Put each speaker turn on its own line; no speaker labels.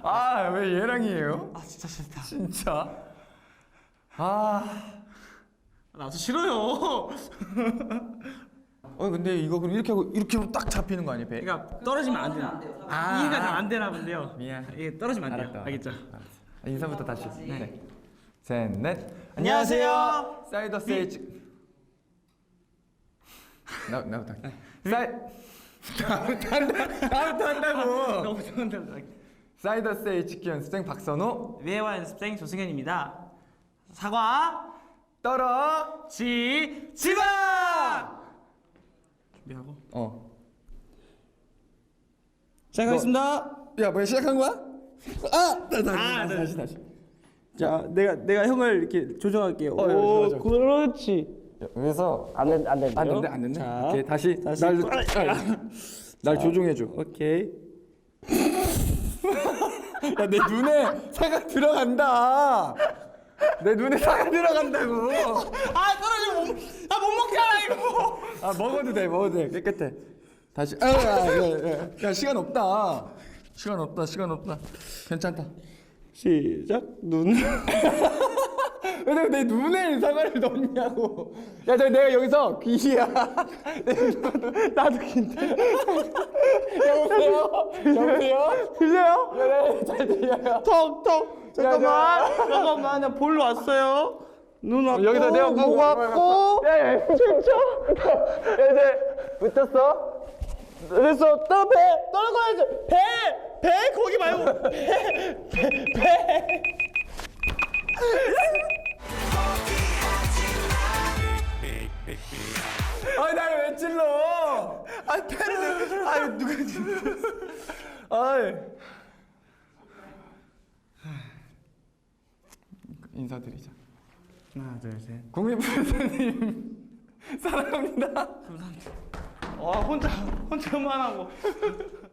아, 왜 얘랑이에요?
아 진짜 싫다.
진짜? 아.
나도 싫어요.
근데 이거 그럼 이렇게 하고 이렇게 하면 딱 잡히는 거 아니에요, 배?
그러니까 떨어지면 안 돼요. 이해가 잘 안 되나 본데요.
미안.
이게 떨어지면 안 돼요.
알았다.
알겠죠?
인사부터 다시. 네. 셋, 넷.
안녕하세요.
사이더 세이지. 나부터. 나부터 한다고.
너무 좋은데.
사이더 세이 치킨 연습생 박선호.
위에와 연습생 조승현입니다. 사과 지마 준비하고 시작하겠습니다.
야, 뭐야, 시작한 거야?
다시. 자, 내가 형을 이렇게 조정할게요.
좋아, 좋아.
그렇지.
여기서
안 된대.
안 된대.
자,
오케이, 다시. 날 조종해 줘.
오케이.
야, 내 눈에 사가 들어간다. 내 눈에 사가 들어간다고.
떨어지면 못 먹잖아 이거.
먹어도 돼. 깨끗해. 다시. 야, 시간 없다. 시간 없다. 괜찮다.
시작. 눈.
왜 내 눈에 사과를 넣냐고. 야, 내가 여기서 귀야.
나도 긴데.
여보세요?
들려요?
네, 잘 들려요.
턱. 잠깐만. 나 볼로 왔어요. 눈 왔고.
여기서 내가
목 왔고.
야, 진짜. 야, 이제 붙었어?
그래서 떨어져야지. 배 거기 말고 배.
날 왜 찔러? 패를. 누가 찔러? 인사드리자.
하나, 둘, 셋.
국민부사님 사랑합니다.
혼자만 하고.